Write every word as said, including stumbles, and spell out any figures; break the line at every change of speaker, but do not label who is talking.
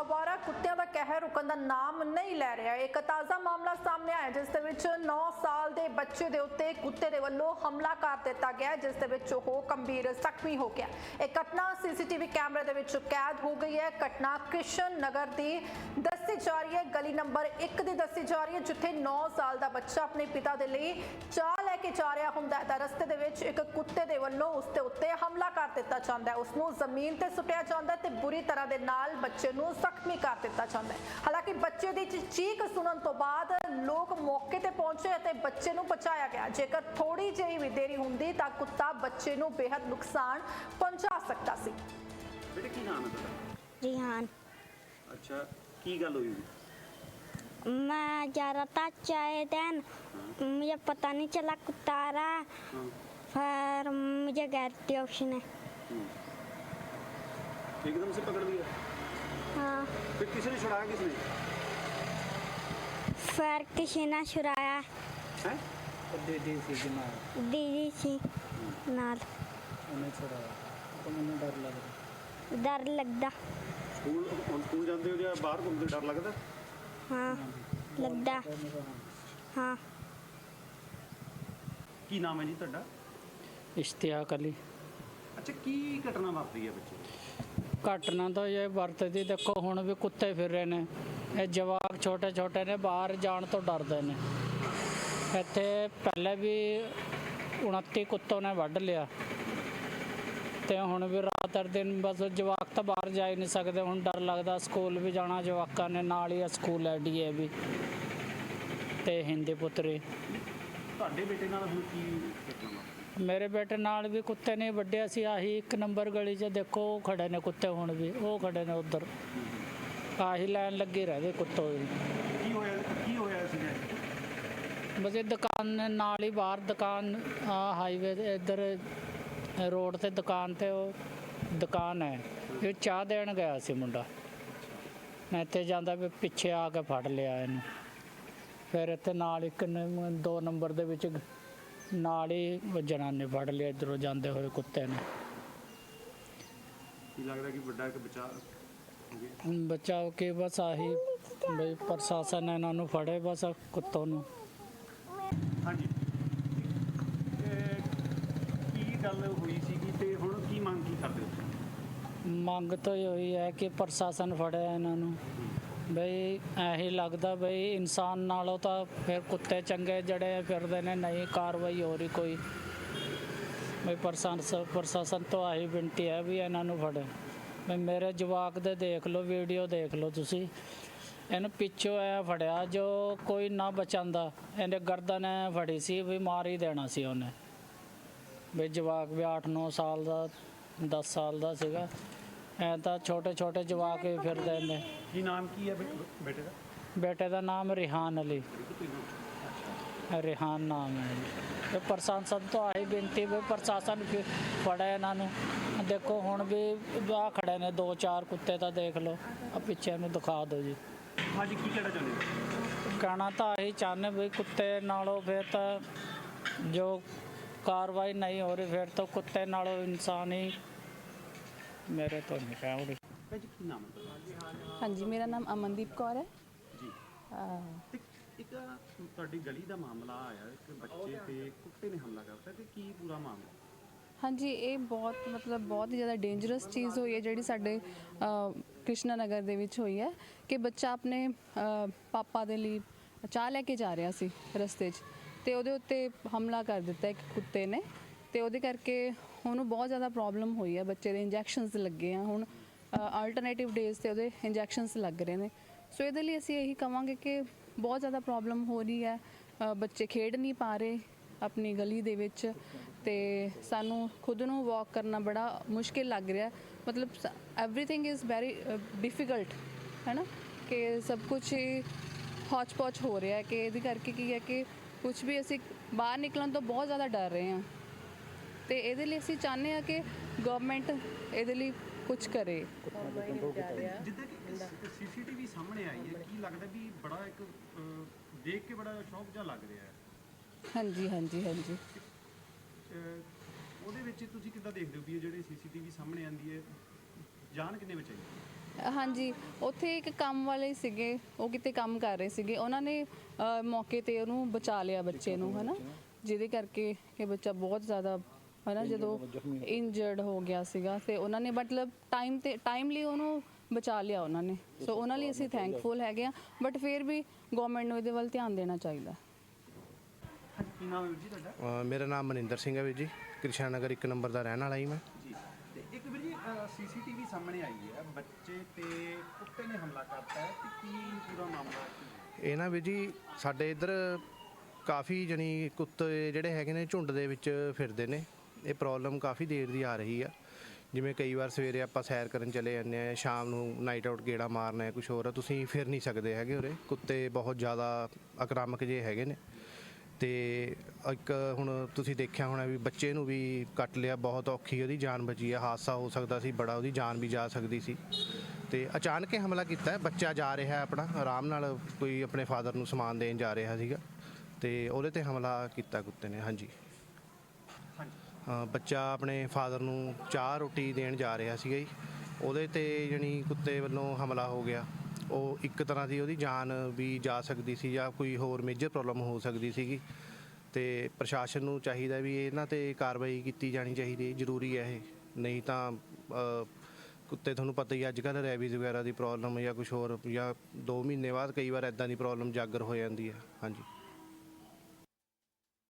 आवारा कुत्तियां दा कहर रुकण दा नाम नहीं लै रहा। एक ताज़ा मामला सामने आया जिस दे विच नौ साल के बच्चे के उत्ते कुत्ते दे वल्लों हमला कर दिता गया, जिस दे विच ओह गंभीर जख्मी हो गया। एक घटना सीसीटीवी कैमरे दे विच कैद हो गई है। घटना कृष्ण नगर की दसी जा रही है, गली नंबर एक की दसी जा रही है, जिथे नौ साल का बच्चा अपने पिता के लिए चाह लैके जा रहा हुंदा है। रस्ते दे विच एक कुत्ते दे वल्लों उसके उत्ते हमला कर दिता जाता है, उसनूं जमीन ते सुटिया जाता है ते बुरी तरह दे नाल बच्चे नूं जख्मी कर दिता जाता है। हालांकि बच्चे की चीख सुनन तो बाद लोग मौके ते पहुंचे ते बच्चे नूं बचाया गया। जेकर थोड़ी जी भी देरी हुंदी तां कुत्ता बच्चे नूं बेहद नुकसान पहुंचा सकता सी।
बेटे की नाम है तेरा?
रिहान।
अच्छा, की गल हुई?
मैं जा रहा था चाय देन, मुझे पता नहीं चला कुत्ता आ रहा, फिर मुझे गैरती ऑप्शन है।
एकदम से पकड़ लिया?
हाँ।
फिर किसने छुड़ाया? किसने?
फिर किसी ने छुड़ाया।
हैं?
दीदी सी नाल।
दीदी सी नाल।
उन्हें छुड़ाया तो मैंने डर लग रहा।
डर लगता।
स्कूल हम स्कूल जाते हो या बाहर घूमते डर लगता?
हाँ लगता। हाँ।
की नाम है जी ਤੁਹਾਡਾ?
इश्तियाक अली।
अच्छा, की घटना वापरी है बच्चे?
घटना तो ये वरतदी देखो हुण भी कुत्ते फिर रहे ने, ये जवाक छोटे छोटे ने बाहर जाण तो डरदे ने। इत्थे पहले भी उनती कुत्तों ने वढ़ लिया ते हुण भी रात हर दिन बस जवाक तो बाहर जा ही नहीं सकते। हुण डर लगदा, स्कूल भी जाना जवाकां ने, नाल ही स्कूल है डी ए भी ते हिंदी पुत्री।
ਤੁਹਾਡੇ बेटे नाल हुण की घटना वापरी?
मेरे बेटे नाल भी कुत्ते नहीं वड्डिया सी, आही एक नंबर गली च देखो खड़े ने कुत्ते, हुण भी वो खड़े ने उधर, आही लाइन लगी रहती कुत्तों की।
की होया की होया सीगा?
बस ये दुकान ने नाल ही बाहर दुकान हाईवे इधर रोड ते दुकान ते वो दुकान है, ये चाह देन गया सी मुंडा, मैं इत्थे जांदा भी पिछे आके फड़ लिया इन्हूं। फिर इत्थे नाल एक दो नंबर दे विच नाल ही जनाने फड़ लिया इधरों जाते हुए कुत्ते ने।
की लगदा कि बड़ा एक बचा हो गया?
बचाओ के बस आही बई प्रशासन इन्हां नूं फड़े बस कुत्तों नूं।
हाँ जी, की गल हुई सीगी ते हुण की मंग की करदे हो?
मंग तो यही है कि प्रशासन फड़े इन्हां नूं। बई यही लगता बई इंसान नालों तो फिर कुत्ते चंगे जड़े फिरदे ने, नहीं कार्रवाई हो रही कोई। बई प्रशासन प्रशासन तो यही विनती है भी इन्हां नूं फड़े। बई मेरे जवाक दे देख लो, वीडियो देख लो तुसी, इन्हूं पिछों ऐ फड़िया जो कोई ना बचांदा, इहने गर्दन ऐ फड़ी सी भी मार ही देना सी उन्हें। बई जवाक भी अठ नौ साल का दस साल का सीगा, ऐ तो छोटे छोटे जवाक ही फिरदे ने।
की नाम की है बेटे का?
बेटे का नाम रिहान अली, रिहान नाम है जी। तो प्रशासन तो आई बेनती भी प्रशासन फड़े इन्हों। देखो हुण भी आ खड़े ने दो चार कुत्ते तो देख लो, अब पिछे इन्हूं दिखा दो जी।
हाँ जी, की कहना चाहते हो?
कहना तो यही चाहते भी कुत्ते नालों फिर तो जो कार्रवाई नहीं हो रही, फिर तो कुत्ते नालों इंसान ही मेरे तो नहीं कह रही।
ਭੈਣ ਜੀ, ਕੀ ਨਾਮ ਹੈ ਤੁਹਾਡਾ?
हाँ जी, मेरा नाम अमनदीप कौर है।
ਜੀ,
अ,
ਤੇ ਇੱਕ ਤੁਹਾਡੀ ਗਲੀ ਦਾ ਮਾਮਲਾ ਆਇਆ, ਇੱਕ ਬੱਚੇ ਤੇ ਕੁੱਤੇ ਨੇ ਹਮਲਾ ਕਰਤਾ, ਤੇ ਕੀ ਪੂਰਾ ਮਾਮਲਾ?
हाँ जी, ਇਹ ਬਹੁਤ ਮਤਲਬ ਬਹੁਤ ਹੀ ਜ਼ਿਆਦਾ ਡੇਂਜਰਸ ਚੀਜ਼ ਹੋਈ ਹੈ ਜਿਹੜੀ ਸਾਡੇ ਅ, ਕ੍ਰਿਸ਼ਨਾ ਨਗਰ ਦੇ ਵਿੱਚ ਹੋਈ ਹੈ ਕਿ ਬੱਚਾ ਆਪਣੇ ਅ, ਪਾਪਾ ਦੇ ਲਈ ਚਾਹ ਲੈ ਕੇ ਜਾ ਰਿਹਾ ਸੀ ਰਸਤੇ 'ਚ ਤੇ ਉਹਦੇ ਉੱਤੇ ਹਮਲਾ ਕਰ ਦਿੱਤਾ ਇੱਕ ਕੁੱਤੇ ਨੇ ਤੇ ਉਹਦੇ ਕਰਕੇ ਉਹਨੂੰ ਬਹੁਤ ਜ਼ਿਆਦਾ ਪ੍ਰੋਬਲਮ ਹੋਈ ਹੈ। ਬੱਚੇ ਦੇ ਇੰਜੈਕਸ਼ਨਸ ਲੱਗੇ ਆ, ਹੁਣ ਆਲਟਰਨੇਟਿਵ ਡੇਜ਼ ਤੇ ਉਹਦੇ ਇੰਜੈਕਸ਼ਨਸ ਲੱਗ ਰਹੇ ਨੇ। ਸੋ ਇਹਦੇ ਲਈ ਅਸੀਂ ਇਹੀ ਕਹਾਂਗੇ ਕਿ ਬਹੁਤ ਜ਼ਿਆਦਾ ਪ੍ਰੋਬਲਮ ਹੋ ਰਹੀ ਹੈ, ਅ, ਬੱਚੇ ਖੇਡ ਨਹੀਂ ਪਾ ਰਹੇ ਆਪਣੀ ਗਲੀ ਦੇ ਵਿੱਚ ਤੇ ਸਾਨੂੰ ਖੁਦ ਨੂੰ ਵਾਕ ਕਰਨਾ ਬੜਾ ਮੁਸ਼ਕਿਲ ਲੱਗ ਰਿਹਾ। ਮਤਲਬ ਐਵਰੀਥਿੰਗ ਇਜ਼ ਵੈਰੀ ਡਿਫਿਕਲਟ ਹੈ ਨਾ, ਕਿ ਸਭ ਕੁਛ ਹੀ ਹੌਚ ਪੌਚ ਹੋ ਰਿਹਾ ਕਿ ਇਹਦੇ ਕਰਕੇ ਕੀ ਹੈ ਕਿ ਕੁਛ ਵੀ ਅਸੀਂ ਬਾਹਰ ਨਿਕਲਣ ਤੋਂ ਬਹੁਤ ਜ਼ਿਆਦਾ ਡਰ ਰਹੇ ਹਾਂ ਤੇ ਇਹਦੇ ਲਈ ਅਸੀਂ ਚਾਹੁੰਦੇ ਹਾਂ ਕਿ ਗਵਰਨਮੈਂਟ ਇਹਦੇ ਲਈ ਕੁਝ ਕਰੇ।
ਜਿੱਦਾਂ ਕਿ ਸੀਸੀਟੀਵੀ ਸਾਹਮਣੇ ਆਈ ਹੈ, ਕੀ ਲੱਗਦਾ ਵੀ ਬੜਾ ਇੱਕ ਅਹ, ਦੇਖ ਕੇ ਬੜਾ ਸ਼ੌਕ ਜਿਹਾ ਲੱਗ ਰਿਹਾ ਹੈ?
ਹਾਂਜੀ ਹਾਂਜੀ ਹਾਂਜੀ
ਅਹ, ਉਹਦੇ ਵਿੱਚ ਤੁਸੀਂ ਕਿੱਦਾਂ ਦੇਖਦੇ ਹੋ ਵੀ ਇਹ ਜਿਹੜੇ ਸੀਸੀਟੀਵੀ ਸਾਹਮਣੇ ਆਂਦੀ ਹੈ, ਜਾਨ ਕਿੰਨੇ ਬਚਾਈ?
ਹਾਂਜੀ, ਉੱਥੇ ਇੱਕ ਕੰਮ ਵਾਲੇ ਸੀਗੇ, ਉਹ ਕਿਤੇ ਕੰਮ ਕਰ ਰਹੇ ਸੀਗੇ, ਉਹਨਾਂ ਨੇ ਅ, ਮੌਕੇ ਤੇ ਉਹਨੂੰ ਬਚਾ ਲਿਆ ਬੱਚੇ ਨੂੰ, ਹਨਾ, ਜਿਹਦੇ ਕਰਕੇ ਇਹ ਬੱਚਾ ਬਹੁਤ ਜ਼ਿਆਦਾ ਹਨਾ ਜਦੋਂ ਇੰਜਰਡ ਹੋ ਗਿਆ ਸੀਗਾ ਤੇ ਉਹਨਾਂ ਨੇ ਮਤਲਬ ਟਾਈਮ ਤੇ ਟਾਈਮਲੀ ਉਹਨੂੰ ਬਚਾ ਲਿਆ ਉਹਨਾਂ ਨੇ। ਸੋ ਉਹਨਾਂ ਲਈ ਅਸੀਂ ਥੈਂਕਫੁਲ ਹੈਗੇ ਆ, ਬਟ ਫਿਰ ਵੀ ਗਵਰਨਮੈਂਟ ਨੂੰ ਇਹਦੇ ਵੱਲ ਧਿਆਨ ਦੇਣਾ ਚਾਹੀਦਾ।
ਕੀ ਨਾਮ ਹੈ ਵੀਰ ਜੀ ਤੁਹਾਡਾ?
ਅ, ਮੇਰਾ ਨਾਮ ਮਨਿੰਦਰ ਸਿੰਘ ਹੈ ਵੀਰ ਜੀ, ਕ੍ਰਿਸ਼ਨਾ ਨਗਰ ਇੱਕ ਨੰਬਰ ਦਾ ਰਹਿਣ ਵਾਲਾ ਹੀ ਮੈਂ
ਜੀ, ਤੇ ਇੱਕ ਵੀਰ ਜੀ ਸੀਸੀਟੀਵੀ ਸਾਹਮਣੇ ਆਈ ਹੈ, ਬੱਚੇ ਤੇ ਕੁੱਤੇ ਨੇ ਹਮਲਾ ਕਰਤਾ ਹੈ, ਤੇ ਕੀ ਪੂਰਾ ਮਾਮਲਾ ਕੀ ਹੈ?
ਇਹ ਨਾ ਵੀਰ ਜੀ ਸਾਡੇ ਇੱਧਰ ਕਾਫੀ ਜਣੀ ਕੁੱਤੇ ਜਿਹੜੇ ਹੈਗੇ ਨੇ ਝੁੰਡ ਦੇ ਵਿੱਚ ਫਿਰਦੇ ਨੇ। ਇਹ ਪ੍ਰੋਬਲਮ ਕਾਫੀ ਦੇਰ ਦੀ ਆ ਰਹੀ ਆ। ਜਿਵੇਂ ਕਈ ਵਾਰ ਸਵੇਰੇ ਆਪਾਂ ਸੈਰ ਕਰਨ ਚਲੇ ਜਾਂਦੇ ਆ, ਸ਼ਾਮ ਨੂੰ ਨਾਈਟ ਆਊਟ ਗੇੜਾ ਮਾਰਨਾ ਹੈ, ਕੁਛ ਹੋਰ, ਤੁਸੀਂ ਫਿਰ ਨਹੀਂ ਸਕਦੇ ਹੈਗੇ ਉਰੇ। ਕੁੱਤੇ ਬਹੁਤ ਜ਼ਿਆਦਾ ਆਕਰਾਮਕ ਜੇ ਹੈਗੇ ਨੇ। ਤੇ ਇੱਕ ਹੁਣ ਤੁਸੀਂ ਦੇਖਿਆ ਹੋਣਾ ਵੀ ਬੱਚੇ ਨੂੰ ਵੀ ਕੱਟ ਲਿਆ, ਬਹੁਤ ਔਖੀ ਉਹਦੀ ਜਾਨ ਬਚੀ ਹੈ। ਹਾਦਸਾ ਹੋ ਸਕਦਾ ਸੀ ਬੜਾ, ਉਹਦੀ ਜਾਨ ਵੀ ਜਾ ਸਕਦੀ ਸੀ। ਤੇ ਅਚਾਨਕ ਹੀ ਹਮਲਾ ਕੀਤਾ ਹੈ। ਬੱਚਾ ਜਾ ਰਿਹਾ ਆਪਣਾ ਆਰਾਮ ਨਾਲ, ਕੋਈ ਆਪਣੇ ਫਾਦਰ ਨੂੰ ਸਮਾਨ ਦੇਣ ਜਾ ਰਿਹਾ ਸੀਗਾ ਤੇ ਉਹਦੇ ਤੇ ਹਮਲਾ ਕੀਤਾ ਕੁੱਤੇ ਨੇ। ਹਾਂਜੀ, ਹਾਂ, ਬੱਚਾ ਆਪਣੇ ਫਾਦਰ ਨੂੰ ਚਾਹ ਰੋਟੀ ਦੇਣ ਜਾ ਰਿਹਾ ਸੀਗਾ ਜੀ, ਉਹਦੇ ਤੇ ਜਾਣੀ ਕੁੱਤੇ ਵੱਲੋਂ ਹਮਲਾ ਹੋ ਗਿਆ। ਉਹ ਇੱਕ ਤਰ੍ਹਾਂ ਦੀ ਉਹਦੀ ਜਾਨ ਵੀ ਜਾ ਸਕਦੀ ਸੀ ਜਾਂ ਕੋਈ ਹੋਰ ਮੇਜਰ ਪ੍ਰੋਬਲਮ ਹੋ ਸਕਦੀ ਸੀਗੀ। ਤੇ ਪ੍ਰਸ਼ਾਸਨ ਨੂੰ ਚਾਹੀਦਾ ਵੀ ਇਹਨਾਂ ਤੇ ਕਾਰਵਾਈ ਕੀਤੀ ਜਾਣੀ ਚਾਹੀਦੀ, ਜ਼ਰੂਰੀ ਹੈ ਇਹ। ਨਹੀਂ ਤਾਂ ਅ, ਕੁੱਤੇ ਤੁਹਾਨੂੰ ਪਤਾ ਹੀ ਅੱਜ ਕੱਲ੍ਹ ਰੈਬੀਜ਼ ਵਗੈਰਾ ਦੀ ਪ੍ਰੋਬਲਮ ਜਾਂ ਕੁਝ ਹੋਰ, ਜਾਂ ਦੋ ਮਹੀਨੇ ਬਾਅਦ ਕਈ ਵਾਰ ਇੱਦਾਂ ਦੀ ਪ੍ਰੋਬਲਮ ਜਾਗਰ ਹੋ ਜਾਂਦੀ ਹੈ। ਹਾਂਜੀ।